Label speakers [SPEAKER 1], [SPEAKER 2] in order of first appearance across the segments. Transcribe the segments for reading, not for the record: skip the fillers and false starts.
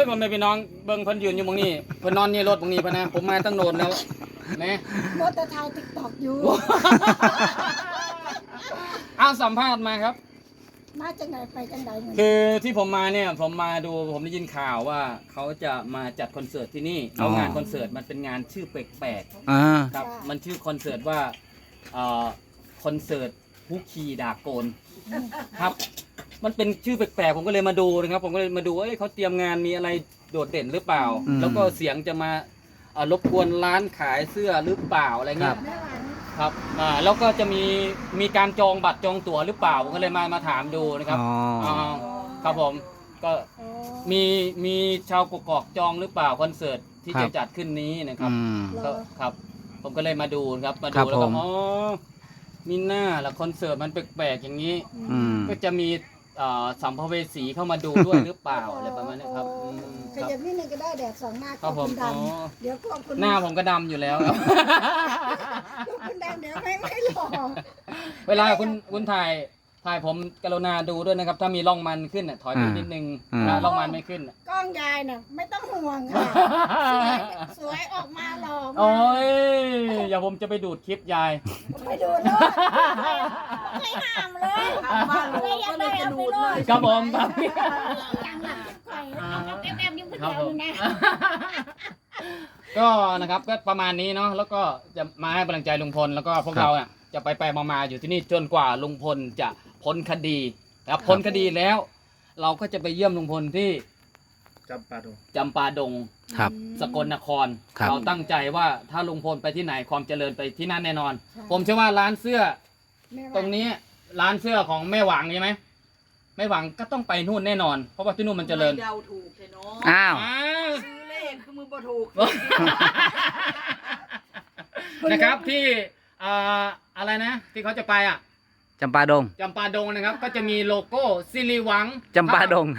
[SPEAKER 1] ยผมไม่พี่น้องเบิ่งเพิ่นยืนอยู่ตรงนี้เพิ่นนอนนี่รถตรงนี้พะนะผมมาตั้งโนนแล้วแหม
[SPEAKER 2] มดแต่ถ่ายติ๊กต็อกอยู่
[SPEAKER 1] เอาสัมภาษณ์มาครับ
[SPEAKER 2] มาจังไหนไปจังไหนเนี่ย
[SPEAKER 1] คือที่ผมมาเนี่ยผมมาดูผมได้ยินข่าวว่าเขาจะมาจัดคอนเสิร์ตที่นี่แล้วงานคอนเสิร์ตมันเป็นงานชื่อแปลก
[SPEAKER 3] อ่า
[SPEAKER 1] ๆครับมันชื่อคอนเสิร์ตว่าคอนเสิร์ตฮุกคีดาโกนครับมันเป็นชื่อแปลกๆผมก็เลยมาดูนะครับผมก็เลยมาดูว่าเขาเตรียมงานมีอะไรโดดเด่นหรือเปล่า แล้วก็เสียงจะมารบกวนร้านขายเสื้อหรือเปล่าอะไรเงี้ย
[SPEAKER 2] แม่หวาน
[SPEAKER 1] ครับแล้วก็จะมีการจองบัตรจองตั๋วหรือเปล่าผมก็เลยมาถามดูนะครับ
[SPEAKER 3] อ๋อ
[SPEAKER 1] ครับผมก็
[SPEAKER 2] โอ้
[SPEAKER 1] มีชาวกกอกจองหรือเปล่าคอนเสิร์ตที่จะจัดขึ้นนี้นะครับ
[SPEAKER 3] อืม
[SPEAKER 1] ก็ครับ ผมก็เลยมาดูครับมา
[SPEAKER 3] ครั
[SPEAKER 1] ดู
[SPEAKER 3] บ
[SPEAKER 1] แล้วก็
[SPEAKER 3] ผม
[SPEAKER 1] อ๋อมีหน้าละคอนเสิร์ตมันแปลกๆอย่างนี้
[SPEAKER 3] อืม
[SPEAKER 1] ก็จะมีสัมภเวสีเข้ามาดูด้วยหรือเปล่าอะไรประมาณนี้ครับอืม
[SPEAKER 2] ข
[SPEAKER 1] ครับ
[SPEAKER 2] ยับนิดนึงก็ได้แดดส่องหน้า
[SPEAKER 1] ครับผม
[SPEAKER 2] คุณด
[SPEAKER 1] อ๋อ
[SPEAKER 2] ำเดี๋ยวก็คุณ
[SPEAKER 1] หน้าผมก็ดำอยู่แล้วครับ
[SPEAKER 2] คุณดำเดี๋ยวไม่หล่อ
[SPEAKER 1] เวลาคุณถ่ายผมกรุณาดูด้วยนะครับ ถ้ามีร่องมันขึ้นน่ะถอยไปนิดนึงนะร่องมันไม่ขึ้นน่ะ
[SPEAKER 2] กล้องยายน่ะไม่ต้องห่วงค่ะสวยออกมาหล่อมา
[SPEAKER 1] โอ้
[SPEAKER 2] ก
[SPEAKER 1] ยอย่าผมจะไปดูดคลิปยาย
[SPEAKER 2] ไปดูเลยไม่ห้ามเลยไม่อยากได้เอาไปเลย
[SPEAKER 1] ครับผมครับ
[SPEAKER 2] ยังหลักไข่แอบยิ้มขึ้น
[SPEAKER 1] ครับ
[SPEAKER 2] แถ
[SPEAKER 1] ผ
[SPEAKER 2] ว
[SPEAKER 1] ม
[SPEAKER 2] นะ
[SPEAKER 1] ก็นะครับก็ประมาณนี้เนาะแล้วก็จะมาให้กำลังใจลุงพลแล้วก็พวกเราอ่ะจะไปมาอยู่ที่นี่จนกว่าลุงพลจะพ้นคดีนะครับพ้นคดีแล้ว เราก็จะไปเยี่ยมลุงพลที่
[SPEAKER 4] จำปาดง
[SPEAKER 1] จำปาดง
[SPEAKER 3] ครับ
[SPEAKER 1] สกลนคร
[SPEAKER 3] ครับ
[SPEAKER 1] เราตั้งใจว่าถ้าลุงพลไปที่ไหนความเจริญไปที่นั่นแน่นอน ผมเชื่อว่าร้านเสื้อตรงนี้ร้านเสื้อของแม่หวังใช่ไหมแม่หวังก็ต้องไปนู่นแน่นอน เพราะว่าที่นู่นมันเจริญ
[SPEAKER 5] เดาถูกเลยเนาะ
[SPEAKER 3] อ้าว
[SPEAKER 1] อ้าว
[SPEAKER 5] ซื้อเลขคือมือบ่ถูก
[SPEAKER 1] นะครับที่อะไรนะ ที่เขาจะไปอ่ะ
[SPEAKER 3] จำปาดง
[SPEAKER 1] จำปาดงนะครับ ก็จะมีโลโก้สิริหวัง
[SPEAKER 3] จำปาดง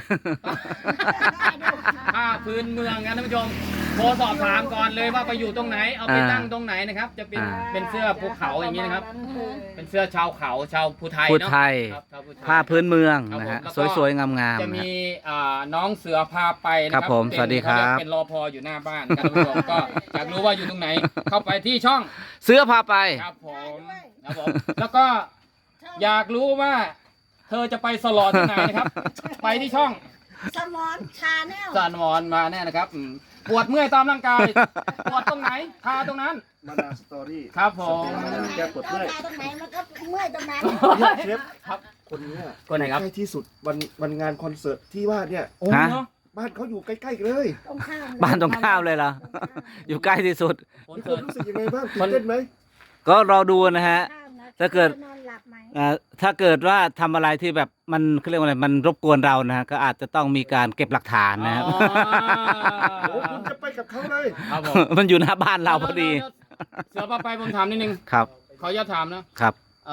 [SPEAKER 1] ผ้าพื้นเมืองนะท่านผู้ชมโทรสอบถามก่อนเลยว่าไปอยู่ตรงไหนเอาไปตั้งตรงไหนนะครับ จะเป็น
[SPEAKER 3] อ่า
[SPEAKER 1] เป็นเสื้อภูเขาอย่างนี้นะครับ เป็นเสื้อชาวเขาชาวภูไทย
[SPEAKER 3] ภู
[SPEAKER 1] เนาะ
[SPEAKER 3] ไทย
[SPEAKER 1] ครับชาวภูไทย
[SPEAKER 3] ผ้าพื้นเมืองนะ
[SPEAKER 1] ครั
[SPEAKER 3] ฮะ
[SPEAKER 1] บผมแล้วก็
[SPEAKER 3] สวยๆ งามๆ
[SPEAKER 1] จะ
[SPEAKER 3] นะ
[SPEAKER 1] มี
[SPEAKER 3] ฮะ
[SPEAKER 1] น้องเสือพาไปนะค
[SPEAKER 3] ครั
[SPEAKER 1] รั
[SPEAKER 3] บบ ผม
[SPEAKER 1] เป็น
[SPEAKER 3] สวัสดีครับ
[SPEAKER 1] เขาเยกเป็นรอพออยู่หน้าบ้านครับท่านผู้ชมก็อยากรู้ว่าอยู่ตรงไหน เข้าไปที่ช่อง
[SPEAKER 3] เสื้อพาไป
[SPEAKER 1] ครับผมครับผมแล้วก็อยากรู้ว่า เธอจะไปสลอที่ไหนนะครับ ไปที่ช่อง
[SPEAKER 2] สมอนชาแนล
[SPEAKER 1] จานวอนมาแน่นะครับปวดเมื่อยตามร่างกายปวดตรงไหนทาตรงนั้น
[SPEAKER 4] มานาสตอรี่
[SPEAKER 1] ครับผม
[SPEAKER 4] แก้ปวด
[SPEAKER 2] เข้า
[SPEAKER 4] เมื่อย
[SPEAKER 2] ตาตรงไหนมันก็เมื่อยตรงนั้น
[SPEAKER 4] เนี่ยเชฟ
[SPEAKER 1] ครับ
[SPEAKER 4] คนเนี้ย
[SPEAKER 1] คนไหนครับ
[SPEAKER 4] ใกล้ที่สุดวันงานคอนเสิร์ตที่ว่าเนี่ย
[SPEAKER 1] โอ้
[SPEAKER 3] ฮะ
[SPEAKER 1] เนาะ
[SPEAKER 4] บ้านเขาอยู่ใกล้ๆกันเลย
[SPEAKER 2] ตรงข้าม
[SPEAKER 3] บ้านตรงข้ามเลยเหรอ อยู่ใกล้ที่สุด
[SPEAKER 1] ผล
[SPEAKER 4] มีค
[SPEAKER 1] เกิ
[SPEAKER 4] วาม
[SPEAKER 1] ด
[SPEAKER 4] รู้สึกยังไงบ้างตื่นเต้นไหม
[SPEAKER 3] ก็รอดูนะฮะ
[SPEAKER 2] ข้ามนะ
[SPEAKER 3] ถ้าเกิด
[SPEAKER 2] นอนหลับไหม
[SPEAKER 3] ถ้าเกิดว่าทำอะไรที่แบบมันเขาเรียกว่าอะไรมันรบกวนเรานะฮะก็อาจจะต้องมีการเก็บหลักฐานนะครับ
[SPEAKER 1] อ๋อ
[SPEAKER 4] โอ้คุณจะไปกับเขาเลย
[SPEAKER 1] ครับผม
[SPEAKER 3] มันอยู่หน้าบ้านเราพอดี
[SPEAKER 1] เสือปลาไปผมถามนิดนึง
[SPEAKER 3] ครับ
[SPEAKER 1] ขออนุญาตถามนะครับ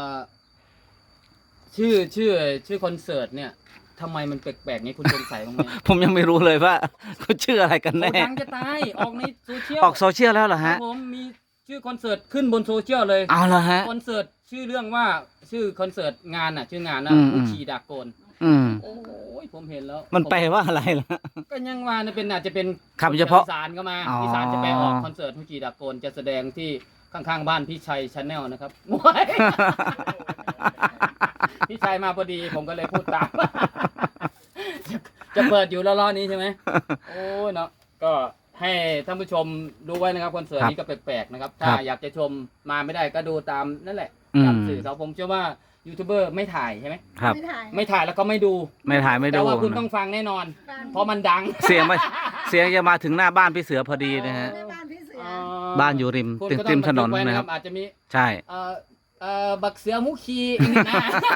[SPEAKER 1] ชื่อคอนเสิร์ตเนี่ยทำไมมันแปลกๆนี้คุณสงสัยบ้างไหม
[SPEAKER 3] ผมยังไม่รู้เลยว่า เขาชื่ออะไรกัน
[SPEAKER 1] โอ้
[SPEAKER 3] แน่
[SPEAKER 1] ดังจะตายออกในโซเชียล
[SPEAKER 3] ออกโซเชียลแล้วเหรอ
[SPEAKER 1] ครั
[SPEAKER 3] ฮะ
[SPEAKER 1] บผมมีชื่อคอนเสิร์ตขึ้นบนโซเชียลเลย
[SPEAKER 3] เอาเหรอฮะ
[SPEAKER 1] คอนเสิร์ตชื่อเรื่องว่าชื่อคอนเสิร์ตงานน่ะชื่องานนะ
[SPEAKER 3] อืม
[SPEAKER 1] ผู้ขี่ดากโกน
[SPEAKER 3] อืม
[SPEAKER 1] โอ้ยผมเห็นแล้ว
[SPEAKER 3] มันแปลว่าอะไรล่ะ
[SPEAKER 1] ก็ยังว่าเนี่ยเป็นอาจจะเป็น
[SPEAKER 3] คำเฉพาะ
[SPEAKER 1] อีสานก็มา
[SPEAKER 3] อ๋ออี
[SPEAKER 1] อีสานจะไปออกคอนเสิร์ตผู้ขี่ดากโกนจะแสดงที่ข้างๆบ้านพี่ชัยชาแนลนะครับ โอ้ยพี่ชัยมาพอดีผมก็เลยพูดตาม จะเปิดอยู่แล้วรอบนี้ใช่ไหมโอ้ยเนาะก็ให้ท่านผู้ชมดูไว้นะครับคอนเสิร์ตนี้ก็แปลกๆนะครับถ้าอยากจะชมมาไม่ได้ก็ดูตามนั่นแหละ
[SPEAKER 3] อืม
[SPEAKER 1] ตามสื่อเขาผมเชื่อว่ายูทูบเบอร์ไม่ถ่ายใช่ไหม
[SPEAKER 3] ครับ
[SPEAKER 2] ไม่ถ่าย
[SPEAKER 1] ไม่ถ่ายแล้วก็ไม่ดู
[SPEAKER 3] ไม่ถ่ายไม่
[SPEAKER 1] แต่
[SPEAKER 3] ดู
[SPEAKER 1] ว่าคุณต้องฟังแน่นอน
[SPEAKER 2] ฟัง
[SPEAKER 1] เพราะมันดัง
[SPEAKER 3] เสียงมาเสียงจะมาถึงหน้าบ้านพี่เสือพอดีนะฮะ
[SPEAKER 2] แม่บ้านพี่เสือ
[SPEAKER 3] บ้านอยู่ริม
[SPEAKER 1] คุณ
[SPEAKER 3] ติด
[SPEAKER 1] ก็
[SPEAKER 3] ริ
[SPEAKER 1] ต้อง
[SPEAKER 3] มถนน
[SPEAKER 1] บัทึกไว้
[SPEAKER 3] นะครับ
[SPEAKER 1] อาจจะมี
[SPEAKER 3] ใช่
[SPEAKER 1] บักเสือมุขีนี่นะ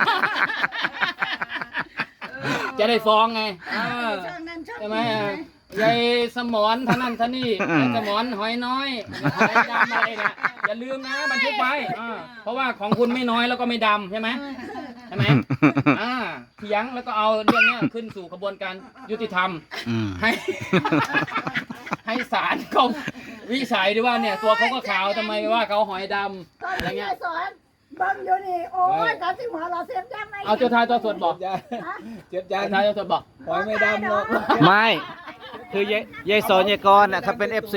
[SPEAKER 1] จะได้ฟ้องไงเออ
[SPEAKER 2] ช่องนั้นช่อง
[SPEAKER 1] ใช่ไหม
[SPEAKER 2] นี้
[SPEAKER 1] ยายสมอนท่านั่นท่านี่ยายสมอนหอยน้อยหอยดำอะไรเนี่ยอย่าลืมนะบันทึกไว้เพราะว่าของคุณไม่น้อยแล้วก็ไม่ดำใช่ไหมใช่ไหมเถียงแล้วก็เอาเรื่องเนี้ยขึ้นสู่กระบวนการยุติธรรม
[SPEAKER 3] อืม
[SPEAKER 1] ให้ ให้ศาลเขาวิจัยด้วยว่าเนี่ยตัวเขาก็ขาวทำไมว่าเขาหอยดำ
[SPEAKER 2] ตอน
[SPEAKER 1] อะไร
[SPEAKER 2] ที่
[SPEAKER 1] เงี้
[SPEAKER 2] ยาย ยสอนเบังอยู่นี่โอ้ยตอนที่หัวเราเสียบยังไง
[SPEAKER 1] เอาเจ้าทายตัวสวดบอก
[SPEAKER 2] ฮะ
[SPEAKER 1] เจ้าทายตัวสวดบอก
[SPEAKER 2] หอยไม่ดำหรอก
[SPEAKER 3] ไม่คือยายสอนยายกรน่ะเขาเป็น FC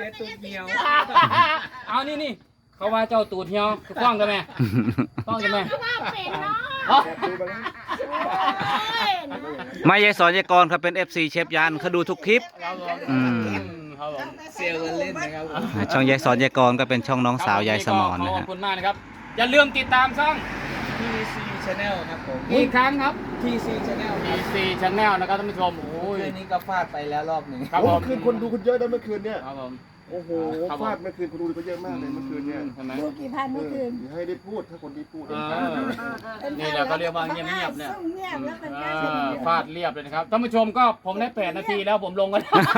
[SPEAKER 1] เอานี่เขาว่าเจ้าตูดเหี่ยวฟ้องกันไหมฟ้องกันไหม
[SPEAKER 2] ว่าเป็นเนาะ
[SPEAKER 1] อ๋อ
[SPEAKER 4] แอบดูไปแล้ว
[SPEAKER 2] โอ้ย
[SPEAKER 3] ไม่ยายสอนยายกรเขาเป็น FC เชฟยันเขาดูทุกคลิป
[SPEAKER 1] ครับผม
[SPEAKER 3] อืม
[SPEAKER 1] ครับผม
[SPEAKER 5] เซลล์กันเล่นนะครับผม
[SPEAKER 3] ช่องยายสอนยายกรก็เป็นช่องน้องสาวยายสมอนนะ
[SPEAKER 1] ขอ
[SPEAKER 3] ฮะ
[SPEAKER 1] บคุณมากนะครับ อย่าลืมติดตามช่อง
[SPEAKER 5] TC Channel ครับผม
[SPEAKER 1] อีกครั้งครับ
[SPEAKER 5] TC Channel ครับ
[SPEAKER 1] TC Channel นะครับท่านผู้ชมโอ้ย
[SPEAKER 5] คืนนี้ก็ฟาดไปแล้วรอบหนึ่ง
[SPEAKER 1] ครับ
[SPEAKER 4] โอ้
[SPEAKER 1] ผม
[SPEAKER 4] เมื่อคืนคนดูคุณเยอะนะเมื่อคืนเนี่ย
[SPEAKER 1] ครับผม
[SPEAKER 4] โอ้โห
[SPEAKER 1] ครับผม
[SPEAKER 4] ฟาดเมื่อคืนคนดูก็เยอะมากเลยเมื่อคืนเนี่ย
[SPEAKER 1] ใช่ไหม
[SPEAKER 2] ดูกี่พันเมื่อคืน
[SPEAKER 4] อย่าให้ได้พูดถ้าคนที่พูด
[SPEAKER 1] เออ นี่แหละก็เรียกว่าเงียบๆเนี่ย
[SPEAKER 2] ซุ่มเงียบแล้วเป็น
[SPEAKER 1] เอ
[SPEAKER 2] การ
[SPEAKER 1] อฟาดเรียบเลยนะครับท่านผู้ชมก็ผมได้8 นาทีแล้วผมลงกัน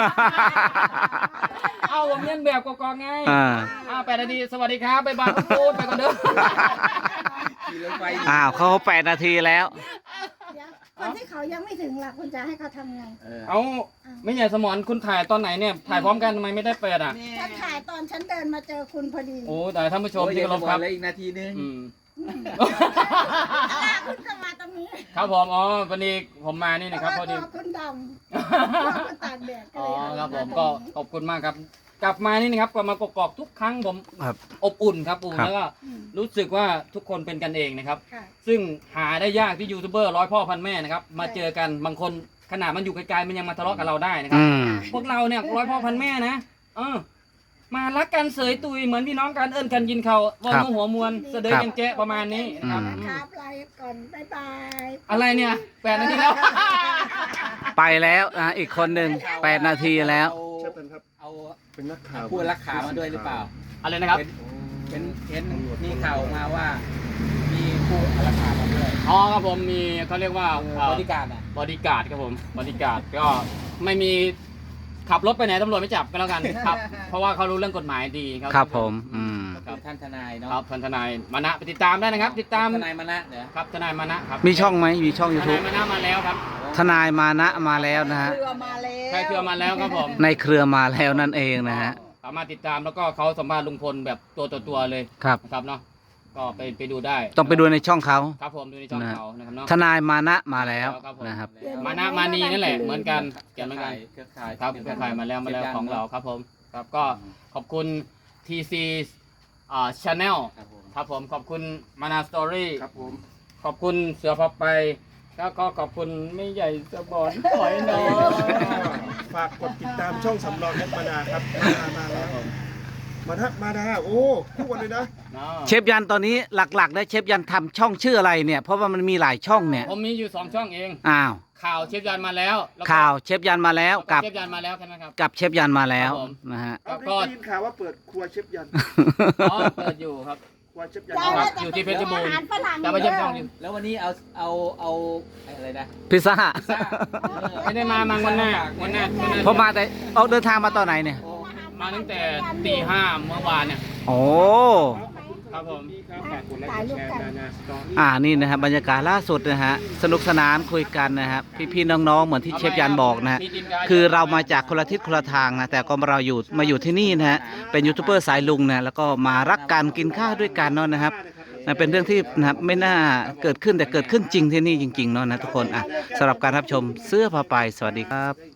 [SPEAKER 1] เอาผมเลียนแบบกอกๆไง 8 นาทีสวัสดีครับบ๊ายบายพูดไปก่อนเด้อ
[SPEAKER 5] ขี่รถไฟ
[SPEAKER 3] อ้าวเขา8 นาทีแล้ว
[SPEAKER 2] เดี๋ยวคนที่เขายังไม่ถึงล่ะคุณจะให้เขาทำไง
[SPEAKER 1] เอาไม่ใหญ่สมอนคุณถ่ายตอนไหนเนี่ยถ่ายพร้อมกันทำไมไม่ได้เปิดอ่ะ
[SPEAKER 2] ฉันถ่ายตอนฉันเดินมาเจอคุณพอดี
[SPEAKER 1] โอ้แต่ท่านผู้ชม
[SPEAKER 5] โอ้ย
[SPEAKER 1] ที่
[SPEAKER 5] เดี๋ยว
[SPEAKER 1] เคารพครับ
[SPEAKER 5] แล้วอีกนาทีนึง
[SPEAKER 1] อืม
[SPEAKER 2] คุณก็มาตรงนี้
[SPEAKER 1] ครับผมอ๋อวันนี้ผมมานี่นะครับพอดี
[SPEAKER 2] คุณดำคุณตากแดดก็
[SPEAKER 1] อ๋อ
[SPEAKER 2] เลย
[SPEAKER 1] ครับผมก็ขอบคุณมากครับ กลับมานี่นะครับกลับมากอกๆทุกครั้งผม
[SPEAKER 3] ครับ
[SPEAKER 1] อบอุ่นครับอุ่น
[SPEAKER 3] ครับ
[SPEAKER 1] แล้วก็รู้สึกว่าทุกคนเป็นกันเองนะครับ
[SPEAKER 2] ค่ะ
[SPEAKER 1] ซึ่งหาได้ยากที่ยูทูบเบอร์ร้อยพ่อพันแม่นะครับมาเจอกันบางคนขนาดมันอยู่ไกลๆมันยังมาทะเลาะกับเราได้นะครับ
[SPEAKER 3] อืม
[SPEAKER 1] พวกเราเนี่ยร้อยพ่อพันแม่นะมารักกันเสยตุยเหมือนพี่น้องกันเอิ้นกันยินเขาวอ
[SPEAKER 3] ครับ
[SPEAKER 1] นูหัวมวลเสดย
[SPEAKER 3] ครับ
[SPEAKER 1] ยังแจ๊ะประมาณนี้นะครับ
[SPEAKER 2] ครับไลฟ์ก่อนบ๊ายบาย
[SPEAKER 1] อะไรเนี่ย8 นาทีแล้ว
[SPEAKER 3] ไปแล้วนะอีกคนหนึ่ง8 นาทีแล้ว
[SPEAKER 4] เชฟเป็นครับ
[SPEAKER 5] เอา
[SPEAKER 4] เป็นนักข่าว
[SPEAKER 5] ผู้รักขามาด้วยหรือเปล่า
[SPEAKER 1] อะไรนะครับ
[SPEAKER 5] เป็นเห็นมีข่าวมาว่า มีผู้รักขามาด้วย
[SPEAKER 1] อ๋อครับผมมีเขาเรียกว่า
[SPEAKER 5] บริการอ่ะ
[SPEAKER 1] บอดี้การ์ดครับผมบอดี้การ์ดก็ไม่มีขับรถไปไหนตำรวจไม่จับก็แล้วกันครับ เพราะว่าเขารู้เรื่องกฎหมายดีครับ
[SPEAKER 3] ครับผมอืม
[SPEAKER 5] คือท่านทนายเนาะ
[SPEAKER 1] ครับทนายมานะไปติดตามได้นะครับ ติดตาม
[SPEAKER 5] ทนายมานะเหรอ
[SPEAKER 1] ครับทนายมานะครับ
[SPEAKER 3] มีช่องไหมมีช่อง
[SPEAKER 1] ทนาย
[SPEAKER 3] YouTube
[SPEAKER 1] มานะมาแล้วครับ
[SPEAKER 3] ทนายมานะมาแล้วนะฮะ
[SPEAKER 2] เรือมาแล้ว
[SPEAKER 1] ใครเครือมาแล้วครับผม
[SPEAKER 3] ในเครือมาแล้วนั่นเองนะฮะ
[SPEAKER 1] สามารถติดตามแล้วก็เขาสัมภาษณ์ลุงพลแบบตัวต่อตัวเลย
[SPEAKER 3] ครับ
[SPEAKER 1] นะครับเนาะก็ไปดูได้
[SPEAKER 3] ต้องไปดูในช่องเขา
[SPEAKER 1] ครับผมดูในช่องเขานะครับเนาะ
[SPEAKER 3] ทนายมานะมาแล้ว
[SPEAKER 1] ครับผม
[SPEAKER 3] นะครับ
[SPEAKER 1] มานะมานีนั่นแหละเหมือนกันเกี่ยวเหมือนกัน
[SPEAKER 5] เครือข่าย
[SPEAKER 1] ครับเครือข่ายมาแล้วของเราครับผมครับก็ขอบคุณ TC Channel
[SPEAKER 5] ครับผม
[SPEAKER 1] ครับผมขอบคุณมานาสตอรี่
[SPEAKER 4] ครับผม
[SPEAKER 1] ขอบคุณเสือพับไปแล้วก็ขอบคุณไม่ใหญ่สะบอนถอยน้อย
[SPEAKER 4] ฝากกดติดตามช่องสำรองนักมาดาครับมาแล้วมาดาโอ้คู่กันเลยนะ
[SPEAKER 3] เชฟยันตอนนี้หลักๆนะเชฟยันทำช่องชื่ออะไรเนี่ย เพราะว่ามันมีหลายช่องเนี่ย
[SPEAKER 1] ผมมีอยู่2 ช่องเอง
[SPEAKER 3] อ้าว
[SPEAKER 1] ข่าวเชฟยันมาแล้วแล้วก็
[SPEAKER 3] ข่าวเชฟยันมาแล้ว
[SPEAKER 1] กั
[SPEAKER 3] กั
[SPEAKER 1] บบ เชฟยันมาแล้วใช่ไหมครับ
[SPEAKER 3] กับเชฟยันมาแล้ว
[SPEAKER 1] ครับผม
[SPEAKER 3] นะฮะ
[SPEAKER 4] เอา
[SPEAKER 1] ก็
[SPEAKER 4] ได้ยินข่าวว่าเปิดครัวเชฟยัน
[SPEAKER 1] อ๋อเปิดอยู่ครับ
[SPEAKER 4] ครัวเชฟยัน
[SPEAKER 2] ยายว่า
[SPEAKER 1] อยู่ที่เพชรบูรณ์
[SPEAKER 2] อาหารฝรั่ง
[SPEAKER 1] จะไปเยี่ยมช่องอยู่
[SPEAKER 5] แล้ววันนี้เอาอะไรนะ
[SPEAKER 3] พิซซ่า
[SPEAKER 1] ไม่ได้มาวันหน้า
[SPEAKER 3] พอมาแต่เอาเดินทางมาตอนไหนเนี่ย
[SPEAKER 1] มาตั้งแต่ตี 5เมื่อวานเนี่ย
[SPEAKER 3] โอ้
[SPEAKER 1] ครับผม
[SPEAKER 2] ถ่ายรูปกัน
[SPEAKER 3] นี่นะครับบรรยากาศล่าสุดนะฮะสนุกสนานคุยกันนะครับพี่ๆน้องๆเหมือนที่เชฟยันบอกนะฮะคือเรามาจากคนละทิศคนละทางนะแต่ก็เรามาอยู่ที่นี่นะฮะเป็นยูทูบเบอร์สายลุงนะแล้วก็มารักกันกินข้าวด้วยกันเนาะนะครับนะเป็นเรื่องที่นะครับไม่น่าเกิดขึ้นแต่เกิดขึ้นจริงที่นี่จริงๆเนาะนะทุกคนอ่ะสำหรับการรับชมเสื้อผ้าไปสวัสดีครับ